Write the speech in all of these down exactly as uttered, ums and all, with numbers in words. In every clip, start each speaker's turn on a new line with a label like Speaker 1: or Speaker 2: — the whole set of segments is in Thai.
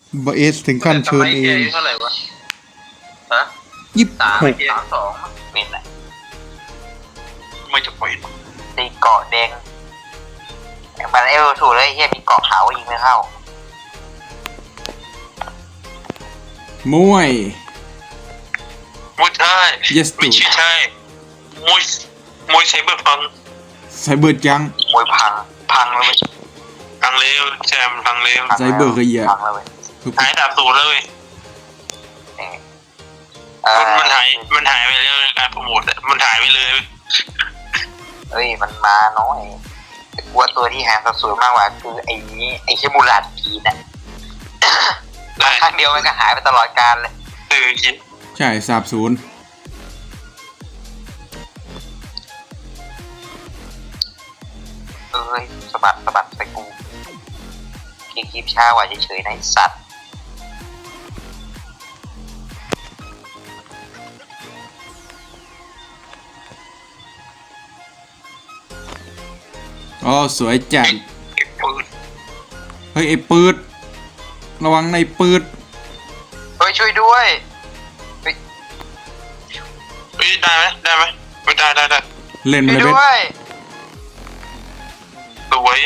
Speaker 1: บเอสถึงขั้นเชิญเอง
Speaker 2: เท่าไหร่วะฮะ
Speaker 1: ยี่สิบ
Speaker 2: สาม
Speaker 1: หก
Speaker 2: สามสองเป็นไรไม่จะปล่อย
Speaker 3: ตีเกาะแดงมันเอลถูกเลยเฮียมีเกาะขาวยิงไม่เข้าม
Speaker 1: วย
Speaker 2: มวยใช่
Speaker 1: yes
Speaker 2: ไม่ใช่มวยมวยไซเบอร์พัง
Speaker 1: ไซเบอร์จัง
Speaker 3: มวยพังพังเลย
Speaker 2: พังเร็วแซมพังเร็ว
Speaker 1: ไซเบอร์เคยเหยียบ
Speaker 3: พังเลย
Speaker 2: หายดาบสูตรเลยมันมันหายมันหายไปเรื่อยการโปรโมทมันหายไปเลย
Speaker 3: เอ้ยมันมาน้อยกลัวตัวที่หางสวยมากกว่าคือไอ้นี้ไอ้เชมูลัดกีน่ะครั้งเดียวมันก็หายไปตลอดกาลเลย
Speaker 2: เออจริง
Speaker 1: ใช่สาบศูนย์
Speaker 3: เอ้ยสะบัดสะบัดไปกูคลิปคลิปช้ากว่าเฉยๆนะไอ้สัตว์
Speaker 1: อ๋อสวยจัด
Speaker 2: เก็บปืน
Speaker 1: เฮ้ยไอ้ปืดระวังในปืด
Speaker 3: เฮ้ยช่วยด้วย
Speaker 2: เฮ้ยได้ไหมได้ไหมไม่ได้ได้ได้
Speaker 1: เล่น
Speaker 3: ช่
Speaker 1: มา
Speaker 3: วย
Speaker 1: เลยเบ
Speaker 3: ด้
Speaker 1: ส
Speaker 3: วย
Speaker 2: สวย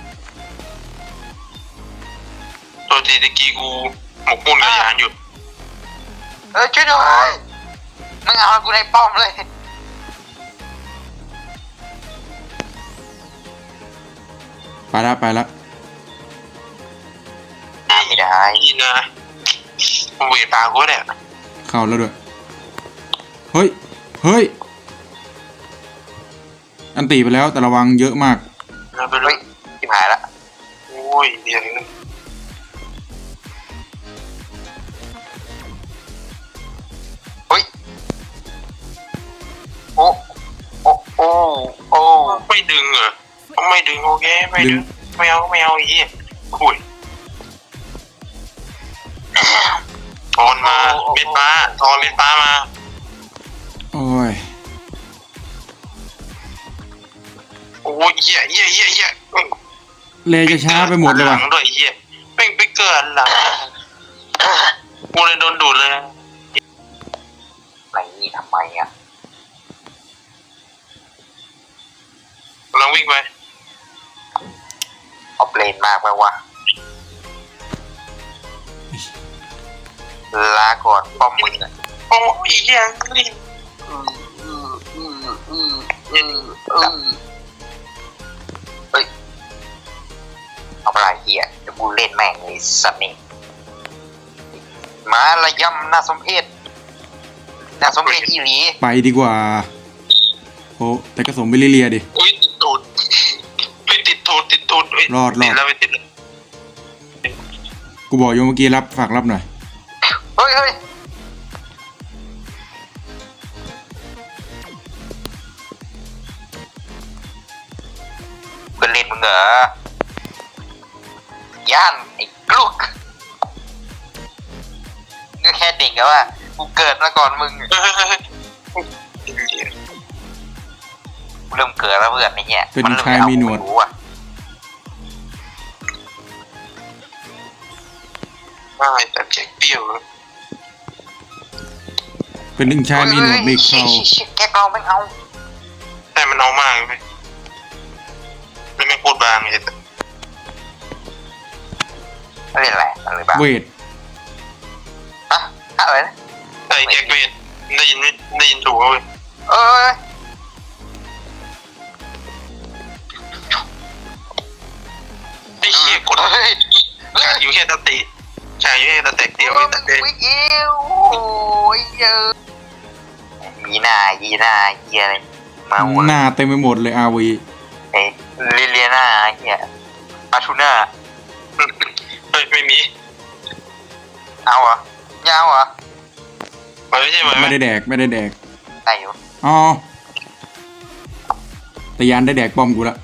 Speaker 2: ตัวทีตะกี้กูหมกมุ่นกับยานอยู่
Speaker 3: เออช่วยด้วยมึงเอากูในป้อมเลย
Speaker 1: ไปละไปละ
Speaker 3: ไม่ได้
Speaker 2: นี่นะเวตากูเนี่ย
Speaker 1: เข้าแล้วด้วยเฮ้ยเฮ้ยอันตีไปแล้วแต่ระวังเยอะมาก
Speaker 2: เราไปเล
Speaker 3: เฮ้
Speaker 2: ย
Speaker 3: ยชิบหายละ
Speaker 2: โอ้ยเดี๋ยวนี้
Speaker 3: เฮ้ยโอ้โอ้โอ้โอ้
Speaker 2: ไม่ดึงเหรอไม่ดึงโอเคไม่ดึงไม่เอาไม่เอาอีกคุยทอนมาเม็ดฟ้าทอนเม็ดฟ้ามา
Speaker 1: โอ้ย
Speaker 2: โอ้ยเหี้ยเหี้ยเหี้ยเหี้ย
Speaker 1: เลจะช้าไปหมดเลย
Speaker 2: หลั
Speaker 1: ว่ะ
Speaker 2: งด้วยเหี้ยแม่งไปเกิดหลังกูเลยโดนดูดเลย
Speaker 3: อะไรนี่ทำไมอ่ะ
Speaker 2: ลองวิ่งไป
Speaker 3: เอาเปลนมากไปวะลาก่อนป้อมมึงอ่ะ
Speaker 2: โอ้ยเหี้ยนี่
Speaker 3: อืมอืมอืมอืมอืมอืมเฮ้ยเอาอะไรเฮียเดี๋ยวกูเล่นแม่งเลยสัตว์นี่มาระยำน่าสมเพชน่าสมเพชอีหลี
Speaker 1: ไปดีกว่าโอ้แต่ก็สมไปเรียๆดิ
Speaker 2: อุ้ยติดตูดไปติดตูดติดตูด
Speaker 1: รอดรอด
Speaker 2: ติดแล้วไม่ติด
Speaker 1: กูบอกโยเมื่อกี้รับฝากรับหน่อย
Speaker 3: เฮ้ยเฮ้ยเพื่อนเล่นมึงเหรอย่านไอ้กลุกก็แค่เด็กอะว่ากูเกิดมาก่อนมึงกูเริ่มเกิดแล้วเพื่อนไอ้เนี่ย
Speaker 1: เป็น
Speaker 3: มัริ่
Speaker 1: ชายมีหนวด
Speaker 3: ไรู้อะ
Speaker 2: ได้แต่แข็งเปรี้ยว
Speaker 1: เป็นหนึ่งชายมีหนวดมีเขา
Speaker 3: ฮ้ยชี่ชี่แกกลองไม่เอา
Speaker 2: แต่มันเอามากเลยไม่ไม่พูดบางเลย
Speaker 3: เล่นอะไรอะไรบ้าง
Speaker 1: เวท
Speaker 3: ฮะอะไรนะ
Speaker 2: ไอ้แจ็คเวทได้ยินไม่ได้ยินถูกเลย
Speaker 3: เอ้ย
Speaker 2: ไอ้เหี้ยกด
Speaker 3: เฮ้ยเฮ้ย
Speaker 2: อยู่แค่ตะติใช่อยู่แค่ตะเตะเดียว
Speaker 3: โอ้
Speaker 2: ไอ้
Speaker 3: ย
Speaker 2: ตะเตะ
Speaker 3: วิกอิวโอ้ยเยอะยีหน้ายีหน้าเฮียอะไรมาหัว
Speaker 1: หน้าเต็มไปหมดเลยอาวี
Speaker 3: เอ้ลิเลียนาเฮียปาทูน่า
Speaker 2: เฮ้ยไม่มี
Speaker 3: เอาเหรอไม่เอาเหรอ
Speaker 2: ไม่ใช่ไหม
Speaker 1: ไม่ได้แดกไม่ได้แดก
Speaker 3: ได้อยู่
Speaker 1: อ๋อแต่ยานได้แดกป้อมกูละ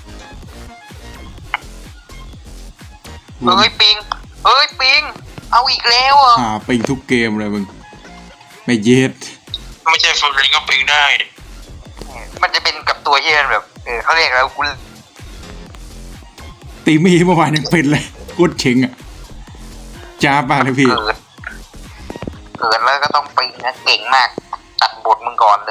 Speaker 3: เฮ้ยปิงเฮ้ยปิงเอาอีกแล้วเหรอ่ะ
Speaker 1: หาปิงทุกเกมเลยมึงไม่เย็ด
Speaker 2: ไม่ใช่ฟูลเลนก็ปิงได้
Speaker 3: มันจะเป็นกับตัวที่มันแบบเออเขาเรียกแล้วกู
Speaker 1: ตีมีเมื่อวานยังเป็นเลยกูเฉงอ่ะจ้าป่ะเลยพี่
Speaker 3: เกิดเกิดแล้วก็ต้องปีนนะเก่งมาก ตัดบทมึงก่อนเลย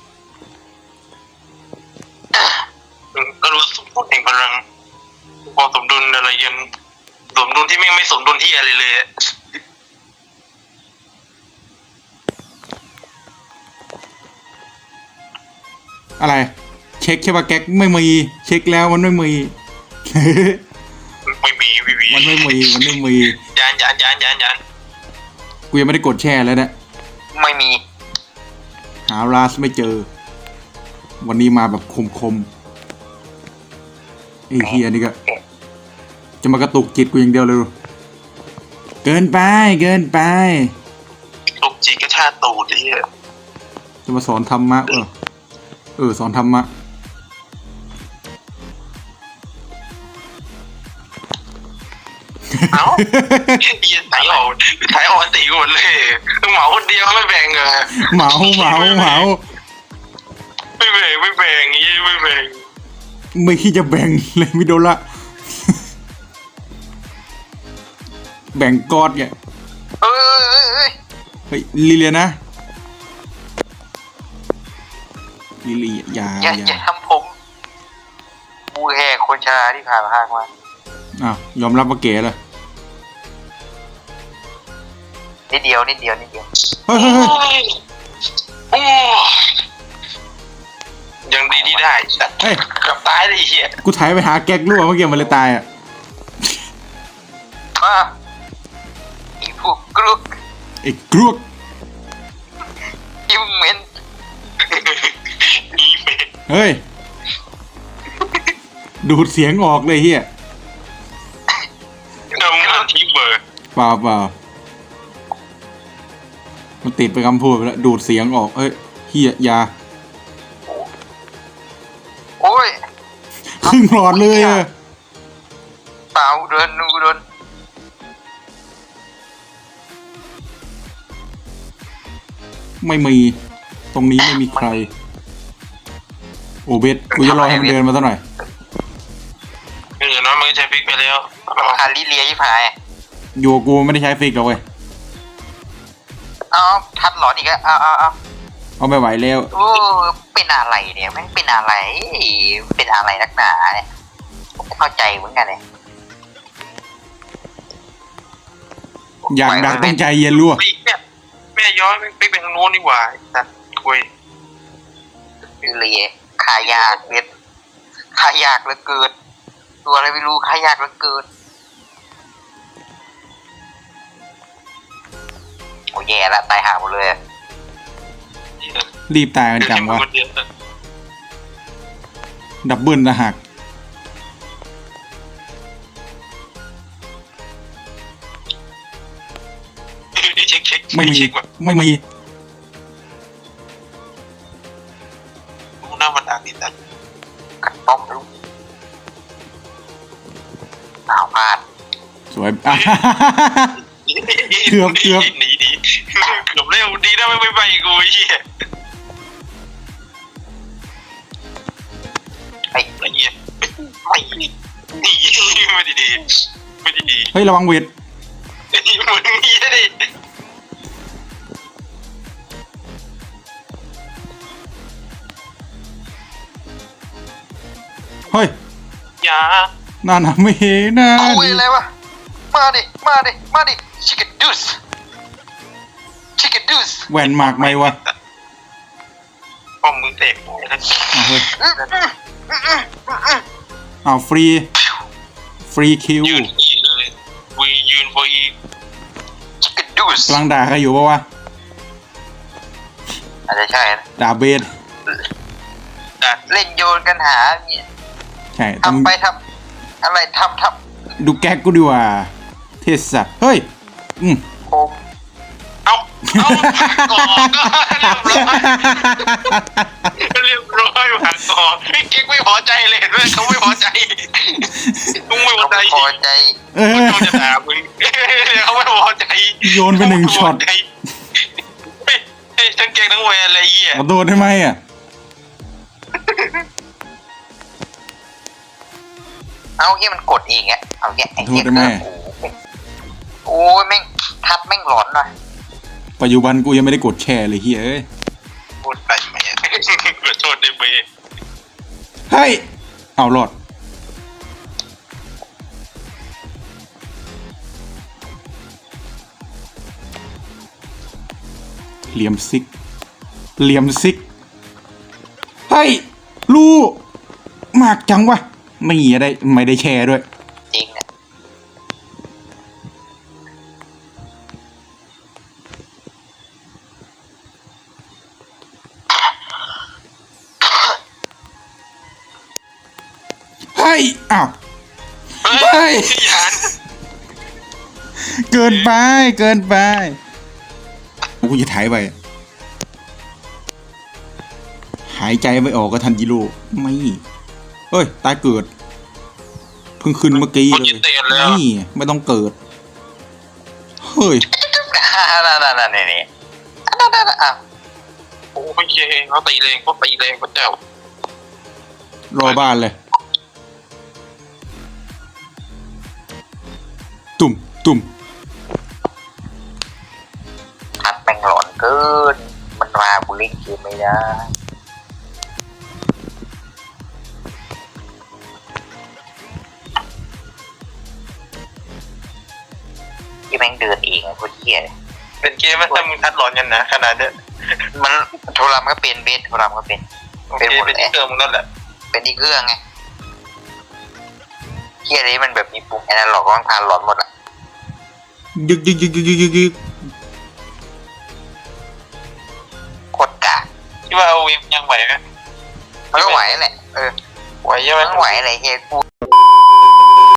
Speaker 2: ก็รู้สมดุลแห่งพลังความสมดุลอะไรยันสมดุลที่ไม่ไม่สมดุลที่อะไรเลยอะ
Speaker 1: อะไร เช็คแค่ว่าแก๊กไม่มีเช็คแล้วมันไม่มี
Speaker 2: ไม่มีไม่มี
Speaker 1: มันไม่มีมันไม่มี
Speaker 2: ยานยานยานยานยาน
Speaker 1: กูยังไม่ได้กดแช่แล้วนะ
Speaker 3: ไม่มี
Speaker 1: หาราสไม่เจอ วันนี้มาแบบคมๆไอ้เฮียนี่ก็จะมากระตุกจิตกูอย่างเดียวเลย เกินไปเกินไป
Speaker 2: ลูกจีก็ชาตูดไอ้เหี้ย
Speaker 1: จะมาสอนธรรมะเออเออสอนธรรมะ
Speaker 2: เอ้าเหี้ยถ่ายออกถ่ายออกอันตีหมดเลยต้องเหมาคนเดียวไม่แบ่งเหรอ
Speaker 1: เหมาเหมาเหมา
Speaker 2: ไม่แบ่งไม่แบ่งยี่ไม่แบ่ง
Speaker 1: ไม่คิดจะแบ่งเลยมิโดละ แบ่งกอดเนี่ย
Speaker 3: เอ้ย
Speaker 1: เฮ้ยลิเลียนะลิเลียอย่า
Speaker 3: อย่า
Speaker 1: อย่า
Speaker 3: อย่าทำผมบูแห่คนชราที่ผ่านมามา
Speaker 1: อ้าวยอมรับว่าเก๋เลย
Speaker 3: นิดเดียวนิดเดียวนิดเดียว
Speaker 1: เฮ้ยเฮ้ยเฮ้ย
Speaker 2: โอ้ยังดีที่ได้สัตว์
Speaker 1: เฮ้ย
Speaker 2: กับตายเลยไอ้เหี้ย
Speaker 1: กูถ่ายไปหาแก๊กรั่วเมื่อกี้มันเลยตายอ่ะ
Speaker 3: มาอีพวกกรุก
Speaker 1: ไอ้กรวก
Speaker 3: อิมเมน
Speaker 2: นี่เป็น
Speaker 1: เฮ้ย ดูดเสียงออกเลยเฮีย
Speaker 2: ทำงานที่เบอร์
Speaker 1: เปล่าเปล่ามันติดไปคำพูดไปแล้วดูดเสียงออกเอ้ยเฮียอยา
Speaker 3: โอ้ย
Speaker 1: ครึ่งหลอดเลยอะ
Speaker 3: เปล่าเดินนูเดิน
Speaker 1: ไม่มี ตรงนี้ไม่มีใคร โอเบสกูจะรอให้มันเดินมาสักหน่อย
Speaker 2: เออน้องมันก็ใช้พริกไปแล้ว
Speaker 3: คาริเลียที่พาย
Speaker 1: อยู่กับกูไม่ได้ใช้ฟิกหรอกเว้ย
Speaker 3: เอาทัดหลอนอีกแล้วเอาเอาเอา
Speaker 1: เอาไม่ไหวแล้ว
Speaker 3: โอ้เป็นอะไรเนี่ยแม่งเป็นอะไรเป็นอะไรนักหนาเนี่ยผมไม่เข้าใจเหมือนกันเลย
Speaker 1: อยากดักต้องใจเย็นรั่ว
Speaker 2: พริกเนี่ยแม่ย้อยพริกเป็นทางโน้นดีกว่าสัตว์คุย
Speaker 3: คาริเลียขายากเม็ดขายากเหลือเกินตัวอะไรไม่รู้ขายากเหลือเกินโอ้แย่ละตายห่าหมดเลย
Speaker 1: รีบตายกันจังวะ ดับเบิลนะหัก
Speaker 2: เช็คเช็ค
Speaker 1: ไม่มี
Speaker 2: เช็คว่ะ
Speaker 1: ไม่มี
Speaker 2: รู้หน้ามันด่าดิสัตว์
Speaker 3: กัดป้อมลูกหนาวพลาด
Speaker 1: สวยอ่ะ เกือบเกือบ
Speaker 2: หนีหนีเกือบเร็วดีนะไม่ไปกูไอ้เหี้ย
Speaker 3: ไอ้
Speaker 2: ไอ้เหี้ยไม่หนีไม่ดีดีไม่ดีดี
Speaker 1: เฮ้ยระวังเวท
Speaker 2: ไอ้มึงเหี้ยดิ
Speaker 1: เฮ้ย
Speaker 2: อย่า
Speaker 1: น่าหนาไม่เห็นนะ
Speaker 3: เอาเว้ยอะไรวะมาดิมาดิมาดิชิคกี้ดูสชิคกี้ดูส
Speaker 1: แหวนหมากไหมวะ
Speaker 2: ป้อมมึงเตะไปนะ
Speaker 1: อ้าวเฮ้ยอ้าวฟรี ฟรีคิว
Speaker 2: ยืนอีเลยวียืนพออี
Speaker 3: ชิคกี้ดูส
Speaker 1: กำลังด่าใครอยู่ปะวะ
Speaker 3: อาจจะใช่นะ
Speaker 1: ด่าเบส
Speaker 2: ดัด
Speaker 3: เล่นโยนกันหาเนี่ย
Speaker 1: ใช่ต้อง
Speaker 3: ทำไปทำอะไรทำท
Speaker 1: ดูแก๊กกูดีกว่า เทสสัตว์เฮ้ย อืม
Speaker 3: ำโคม
Speaker 2: เอาเอาก่อนเรียบร้อยผ่านก่อนพี่เก๊กไม่พอใจเลยเห็นไหมเขาไม่พอใจมึงไม่พอ
Speaker 3: เขา
Speaker 2: ใจ
Speaker 3: ไม่พอใจ
Speaker 1: เออ
Speaker 2: เขาจะด่ามึงเขาไม่พอใจ
Speaker 1: โยนไปหนึ่งช็อต
Speaker 2: เฮ้ยเฮ้ยทั้งเก่งทั้งแวร์อะไรเหี้ย
Speaker 1: ขอโทษได้ไหมอ่ะ
Speaker 3: เอาเงี้ยมันกดเองอะเอาเงี้ยไอ้เงี้ย
Speaker 1: โทษได้ไหม
Speaker 3: โอ้โหโอ้ยแม่งทัดแม่งหลอนหน่อย
Speaker 1: ปัจจุบันกูยังไม่ได้กดแชร์เลยเฮียเอ้ย
Speaker 2: พูดไปไหมขอโทษได้ไหม
Speaker 1: เฮ้ยเอาหลอดเหลี่ยมซิกเหลี่ยมซิกเฮ้ยลูกมากจังวะไม่ได้ไม่ได้แชร์ด้วย
Speaker 3: จริงเนี่ย
Speaker 1: เฮ้ยอ้าว
Speaker 2: เฮ้ยยาน
Speaker 1: เกินไปเกินไปกูจะถ่ายไปหายใจไม่ออกก็ทันจิโร่ไม่เฮ้ยตายเกิดเพิ่งขึ้นเมื่อกี้เลยนี่ไม่ต้องเกิดเฮ้ย
Speaker 3: นั่นนั่นนั่นนี่นี่นั่นนั่นอ่ะ
Speaker 2: โอ้ยเขาตีแรงเขาตีแรงพระเจ้าร
Speaker 1: อบ้านเลยตุ่มตุ่ม
Speaker 3: ทัดแม่งหลอนเกินมันมาบุลิกคือไม่ได้ที่แม่งเดินเองไอ้พวกเหี้ยเนี่ย
Speaker 2: เป็นเกมมันถ้ามึงทัดหลอนกันนะขนาดเนี้ย
Speaker 3: มันโทรศัพท์ก็เป็นเบสโทรศัพท์ก็เป็น
Speaker 2: โอเคเป็นที่เติมมึงนั่นแหละ
Speaker 3: เป็นที่เครื่องไงเหี้ยนี้มันแบบมีปุ่มแอนาล็อกต้องทานหลอนหมดอ่ะ
Speaker 1: ยึกยึกยึกยึกยึกยึกยึก
Speaker 3: โคตรกาก
Speaker 2: ที่ว่าเอาวิมยังไหวไหม
Speaker 3: มันก็ไหวแหละเออ
Speaker 2: ไหวใช่ไหม
Speaker 3: มันไหวอะไรเฮียกู